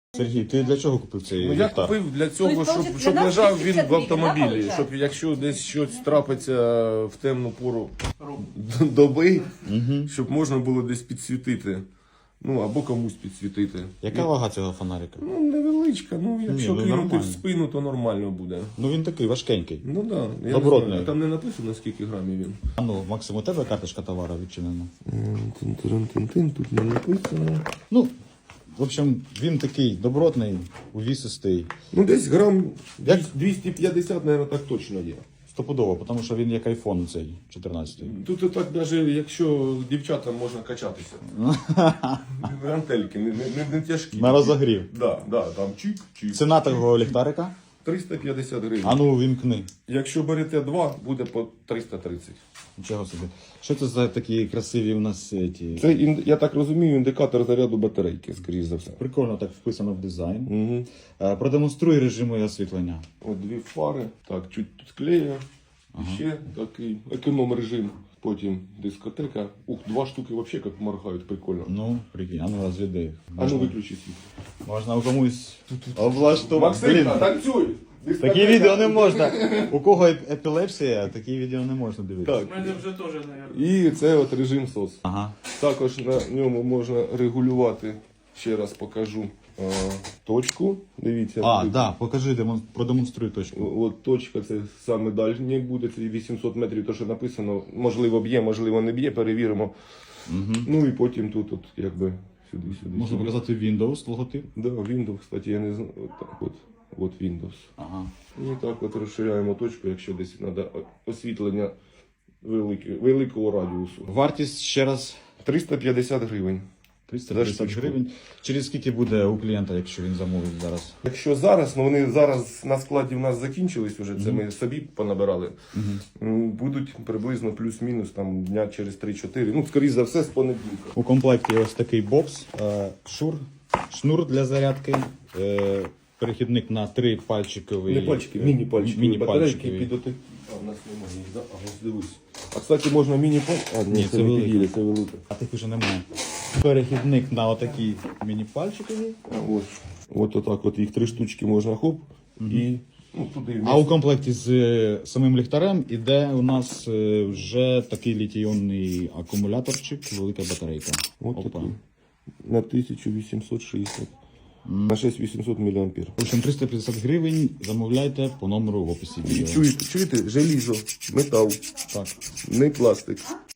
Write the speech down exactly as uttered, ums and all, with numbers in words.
Сергій, ти для чого купив цей Ну, я ліхтар? купив для цього, Тобто, щоб, для щоб нас лежав тисяча він в гривень, да, автомобілі, виходить? щоб якщо десь щось трапиться в темну пору доби, щоб можна було десь підсвітити. Ну, або комусь підсвітити. Яка вага цього фонарика? Ну, невеличка, ну якщо ну, кинути нормально. в спину, то нормально буде. Ну він такий важкенький. Ну так, да, я Добротний. не знаю, там не написано, скільки грамів він. А ну, Максим, у тебе карточка товару відчинена? Тин-тин-тин-тин, тут не написано. Ну, в общем, він такий добротний, увісистий. Ну, десь грам Як? двісті п'ятдесят, мабуть, так точно є. Стопудово, тому що він як айфон цей, чотирнадцятий. Тут і так, навіть якщо дівчатам можна качатися. Гантельки, не, не, не тяжкі. На розогрів. Да, да, там чик-чик. Ціна такого ліхтарика? триста п'ятдесят гривень. А ну, вімкни. Якщо берете два, буде по триста тридцять. Нічого собі. Що це за такі красиві у нас ці? Це, ін- я так розумію, індикатор заряду батарейки, скоріш за все. Прикольно так вписано в дизайн. Угу. Е, Продемонструй режими освітлення. От дві фари, так, чуть тут клею. Ага. Ще такий економ режим. Потім дискотека. Ух, два штуки взагалі як моргають, прикольно. Ну, прикинь, а ну розглядай їх. А ну виключи світло. Можна у комусь облаштувати. Максим, Блін, танцюй! Дискотека. такі відео не можна. У кого еп- епілепсія, такі відео не можна дивитися. Так. У мене вже теж, мабуть. І це от режим сос. Ага. Також на ньому можна регулювати, ще раз покажу, а, точку. Дивіться. А, тут. да, покажи, демон- продемонструй точку. О- От точка, це саме дальній буде, це вісімсот метрів, то що написано, можливо б'є, можливо не б'є, перевіримо. Угу. Ну і потім тут, от, якби, сюди, сюди. Можна сюди. показати Windows логотип. Да, Windows, кстати, я не знаю. От так от. От Windows. Ага. І так от розширяємо точку, якщо десь треба освітлення велике, великого радіусу. Вартість ще раз триста п'ятдесят гривень. триста За п'ятдесят штучку. гривень. Через скільки буде у клієнта, якщо він замовить зараз? Якщо зараз, ну вони зараз на складі в нас закінчились вже, це ми собі понабирали. М, Будуть приблизно плюс-мінус там дня через три-чотири. Ну, скоріш за все, з понеділка. У комплекті ось такий бокс, е, шур, шнур для зарядки, е, перехідник на три пальчиковий. Не пальчики, міні-пальчики. Міні-пальчикові. Батарейки під оти. А, в нас немає їх, да? А, ось дивись. А, кстати, можна міні-пальчики. А, ні, Ні, це, це не велике. підійде, це велике. А тих уже немає. Перехідник на отакі міні-пальчикові. А, От, от отак от їх три штучки можна хоп. І ну, туди А у комплекті з е, самим ліхтарем іде у нас е, вже такий літій-іонний акумуляторчик, велика батарейка. От Опа. такий. На тисячу вісімсот шістдесят. На шість тисяч вісімсот міліампер. В общем, триста п'ятдесят гривень замовляйте по номеру в описі відео. Чуєте, чуєте? Желізо, метал, Так. не пластик.